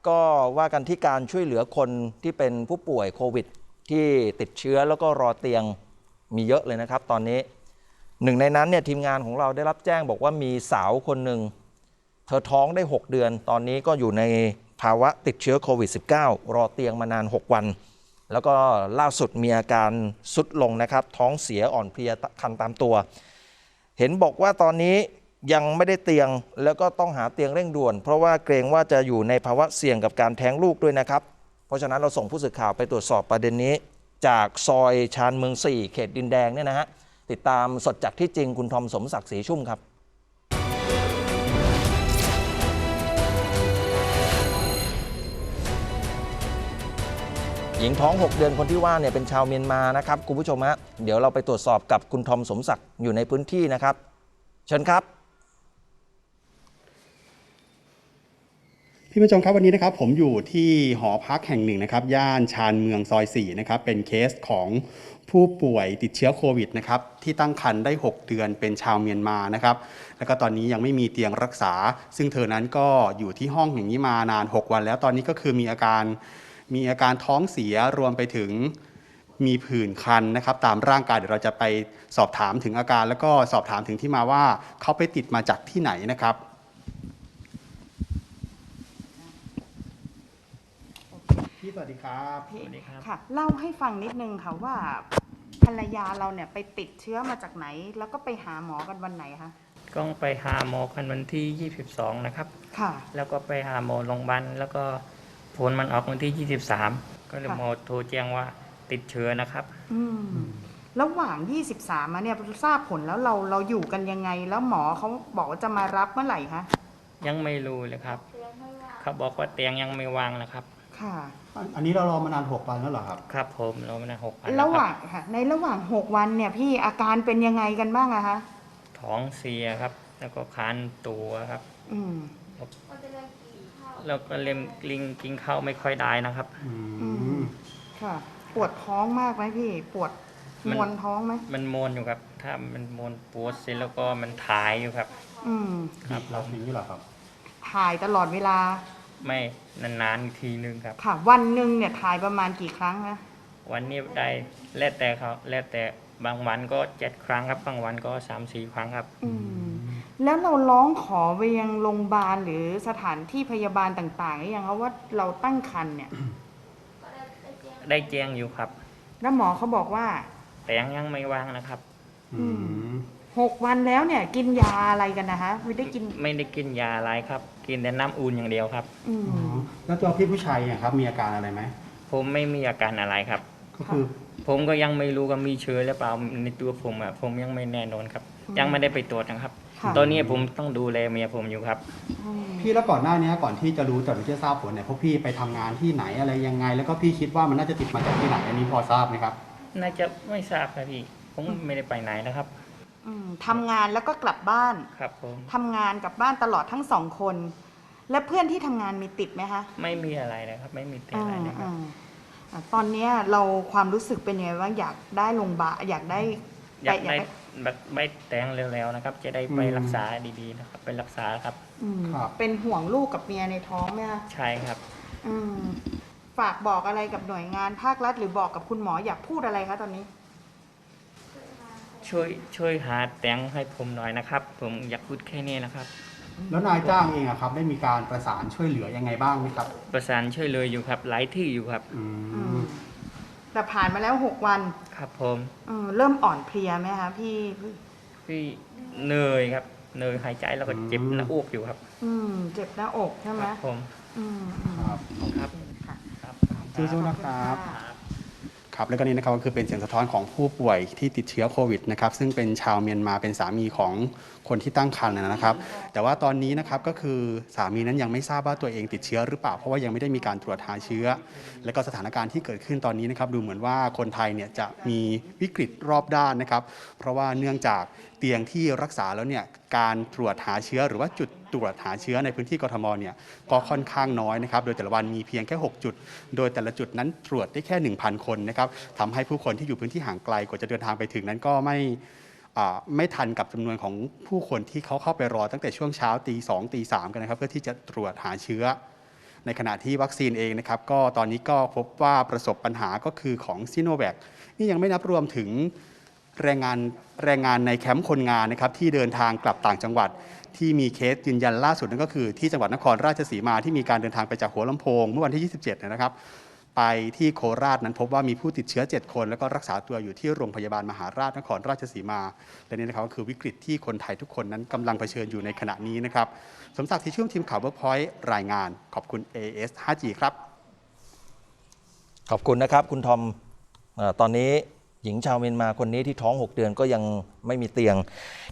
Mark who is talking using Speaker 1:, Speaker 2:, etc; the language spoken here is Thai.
Speaker 1: ก็ว่ากันที่การช่วยเหลือคนที่เป็นผู้ป่วยโควิดที่ติดเชื้อแล้วก็รอเตียงมีเยอะเลยนะครับตอนนี้หนึ่งในนั้นเนี่ยทีมงานของเราได้รับแจ้งบอกว่ามีสาวคนหนึ่งเธอท้องได้6เดือนตอนนี้ก็อยู่ในภาวะติดเชื้อโควิด -19 รอเตียงมานาน6วันแล้วก็ล่าสุดมีอาการทรุดลงนะครับท้องเสียอ่อนเพลียคันตามตัวเห็นบอกว่าตอนนี้ยังไม่ได้เตียงแล้วก็ต้องหาเตียงเร่งด่วนเพราะว่าเกรงว่าจะอยู่ในภาวะเสี่ยงกับการแท้งลูกด้วยนะครับเพราะฉะนั้นเราส่งผู้สื่อข่าวไปตรวจสอบประเด็นนี้จากซอยชานเมือง4เขตดินแดงเนี่ยนะฮะติดตามสดจากที่จริงคุณทอมสมศักดิ์ศรีชุ่มครับหญิงท้อง6เดือนคนที่ว่าเนี่ยเป็นชาวเมียนมานะครับคุณผู้ชมฮะเดี๋ยวเราไปตรวจสอบกับคุณทอมสมศักดิ์อยู่ในพื้นที่นะครับเชิญครับ
Speaker 2: พี่ผู้ชมครับวันนี้นะครับผมอยู่ที่หอพักแห่งหนึ่งนะครับย่านชานเมืองซอย4นะครับเป็นเคสของผู้ป่วยติดเชื้อโควิดนะครับที่ตั้งครรภ์ได้6เดือนเป็นชาวเมียนมานะครับแล้วก็ตอนนี้ยังไม่มีเตียงรักษาซึ่งเธอนั้นก็อยู่ที่ห้องอย่างนี้มานาน6วันแล้วตอนนี้ก็คือมีอาการท้องเสียรวมไปถึงมีผื่นคันนะครับตามร่างกายเดี๋ยวเราจะไปสอบถามถึงอาการแล้วก็สอบถามถึงที่มาว่าเขาไปติดมาจากที่ไหนนะครับพี่สวัสดีครับ
Speaker 3: สวัสดีครับค่ะเล่าให้ฟังนิดนึงค่ะว่าภรรยาเราเนี่ยไปติดเชื้อมาจากไหนแล้วก็ไปหาหมอกันวันไหนคะ
Speaker 4: ก็ไปหาหมอกันวันที่22นะครับ
Speaker 3: ค่ะ
Speaker 4: แล้วก็ไปหาหมอโรงพยาบาลแล้วก็ผลมันออกวันที่23ก็เลยหมอโทรแจ้งว่าติดเชื้อนะครับ
Speaker 3: ระหว่าง23มาเนี่ยทราบผลแล้วเราอยู่กันยังไงแล้วหมอเขาบอกว่าจะมารับเมื่อไหร่คะ
Speaker 4: ยังไม่รู้เลยครับเขาบอกว่าเตียงยังไม่วางนะครับ
Speaker 3: ค่ะ
Speaker 2: อันนี้เรารอมานาน6วันแล้วเหรอครับ
Speaker 4: ครับผมรอมานาน6 วัน
Speaker 3: ระหว่างค่ะในระหว่าง6วันเนี่ยพี่อาการเป็นยังไงกันบ้างอะคะ
Speaker 4: ท้องเสียครับแล้วก็คานตัวครับแล้วก็เล็มกินข้าวไม่ค่อยได้นะครับ
Speaker 3: ค่ะปวดท้องมากไหมพี่ปวดมวนท้องไหม
Speaker 4: มันมวนอยู่ครับถ้ามันมวนปวดเสร็จแล้วก็มันถ่ายอยู่ครับ
Speaker 2: ครับเราทิ้งนี่เหรอครับ
Speaker 3: ถ่ายตลอดเวลา
Speaker 4: ไม่นานๆทีนึงครับ
Speaker 3: ค่ะวันหนึ่งเนี่ยถ่ายประมาณกี่ครั้งคะ
Speaker 4: วันนี้ได้แล้วแต่เขาแล้วแต่บางวันก็7 ครั้งครับบางวันก็3-4 ครั้งครับ
Speaker 3: แล้วเราร้องขอไปยังโรงพยาบาลหรือสถานที่พยาบาลต่างๆหรือยังคะว่าเราตั้งครรภ์เนี่ย
Speaker 4: ได้แจ้งอยู่ครับ
Speaker 3: แล้วหมอเขาบอกว่า
Speaker 4: แต่ยังไม่วางนะครับ
Speaker 3: 6 วันแล้วเนี่ยกินยาอะไรกันนะคะไม่ได้
Speaker 4: กินยาอะไรครับกินแต่น้ำอุ่นอย่างเดียวครับ
Speaker 2: แล้วตัวพี่ผู้ชายเนี่ยครับมีอาการอะไรไหม
Speaker 4: ผมไม่มีอาการอะไรครับ
Speaker 2: ก็คือ
Speaker 4: ผมก็ยังไม่รู้ว่ามีเชื้อหรือเปล่าในตัวผมผมยังไม่แน่นอนครับยังไม่ได้ไปตรวจนะครับตอนนี้ผมต้องดูแลเมียผมอยู่ครับ
Speaker 2: พี่แล้วก่อนหน้านี้ก่อนที่จะรู้จะทราบผลเนี่ยพวกพี่ไปทำงานที่ไหนอะไรยังไงแล้วก็พี่คิดว่ามันน่าจะติดมาจากที่ไหนอันนี้พอทราบไหมครับ
Speaker 4: น่าจะไม่ทราบครับพี่ผมไม่ได้ไปไหนนะครับ
Speaker 3: ทำงานแล้วก็กลับบ้าน
Speaker 4: ครับผม
Speaker 3: ทำงานกับบ้านตลอดทั้ง2 คนและเพื่อนที่ทำงานมีติดไหมคะ
Speaker 4: ไม่มีอะไรนะครับไม่มีติดอะไรนะครับ
Speaker 3: ตอนนี้เราความรู้สึกเป็นยังไงบ้างอยากได้โรงพยาบาลอยากได้
Speaker 4: แบบใบแต่งเร็วๆนะครับจะได้ไปรักษาดีๆนะครับไปรักษาครับ
Speaker 3: เป็นห่วงลูกกับเมียในท้องไหมคะ
Speaker 4: ใช่ครับ
Speaker 3: ฝากบอกอะไรกับหน่วยงานภาครัฐหรือบอกกับคุณหมออยากพูดอะไรคะตอนนี้
Speaker 4: ช่วยหาเตียงให้ผมหน่อยนะครับผมอยากพูดแค่นี้นะครับ
Speaker 2: แล้วนายจ้างเองครับได้มีการประสานช่วยเหลือยังไงบ้างไหมครับ
Speaker 4: ประสานช่วยเลยอยู่ครับหลายที่อยู่ครับ
Speaker 3: แต่ผ่านมาแล้ว6 วัน
Speaker 4: ครับผม
Speaker 3: เริ่มอ่อนเพลียไหมคะพี่
Speaker 4: เหนื่อยครับเหนื่อยหายใจแล้วก็เจ็บหน้าอกอยู่ครับ
Speaker 3: เจ็บหน้าอกใช่ไหม
Speaker 4: ผม
Speaker 2: ครับสู้ๆนะครับครับแล้วก็นี่นะครับก็คือเป็นเสียงสะท้อนของผู้ป่วยที่ติดเชื้อโควิดนะครับซึ่งเป็นชาวเมียนมาเป็นสามีของคนที่ตั้งครรภ์นะครับแต่ว่าตอนนี้นะครับก็คือสามีนั้นยังไม่ทราบว่าตัวเองติดเชื้อหรือเปล่าเพราะว่ายังไม่ได้มีการตรวจหาเชื้อและก็สถานการณ์ที่เกิดขึ้นตอนนี้นะครับดูเหมือนว่าคนไทยเนี่ยจะมีวิกฤตรอบด้านนะครับเพราะว่าเนื่องจากเตียงที่รักษาแล้วเนี่ยการตรวจหาเชื้อหรือว่าจุดตรวจหาเชื้อในพื้นที่กทมเนี่ยก็ค่อนข้างน้อยนะครับโดยแต่ละวันมีเพียงแค่6จุดโดยแต่ละจุดนั้นตรวจได้แค่ 1,000 คนนะครับทำให้ผู้คนที่อยู่พื้นที่ห่างไกลกว่าจะเดินทางไปถึงนั้นก็ไม่ทันกับจำนวนของผู้คนที่เขาเข้าไปรอตั้งแต่ช่วงเช้าตี 2 ตี 3กันนะครับเพื่อที่จะตรวจหาเชื้อในขณะที่วัคซีนเองนะครับก็ตอนนี้ก็พบว่าประสบปัญหาก็คือของซิโนแวคนี่ยังไม่นับรวมถึงแรงงานในแคมป์คนงานนะครับที่เดินทางกลับต่างจังหวัดที่มีเคสยืนยันล่าสุดนั่นก็คือที่จังหวัดนครราชสีมาที่มีการเดินทางไปจากหัวลำโพงเมื่อวันที่ 27 นะครับไปที่โคราชนั้นพบว่ามีผู้ติดเชื้อ 7 คนแล้วก็รักษาตัวอยู่ที่โรงพยาบาลมหาราชนครราชสีมาและนี่นะครับก็คือวิกฤตที่คนไทยทุกคนนั้นกำลังเผชิญอยู่ในขณะนี้นะครับสมศักดิ์ที่ชุ่มทีมข่าว Workpoint รายงานขอบคุณ AS 5G ครับ
Speaker 1: ขอบคุณนะครับคุณทอมตอนนี้หญิงชาวเมียนมาคนนี้ที่ท้อง 6 เดือนก็ยังไม่มีเตียง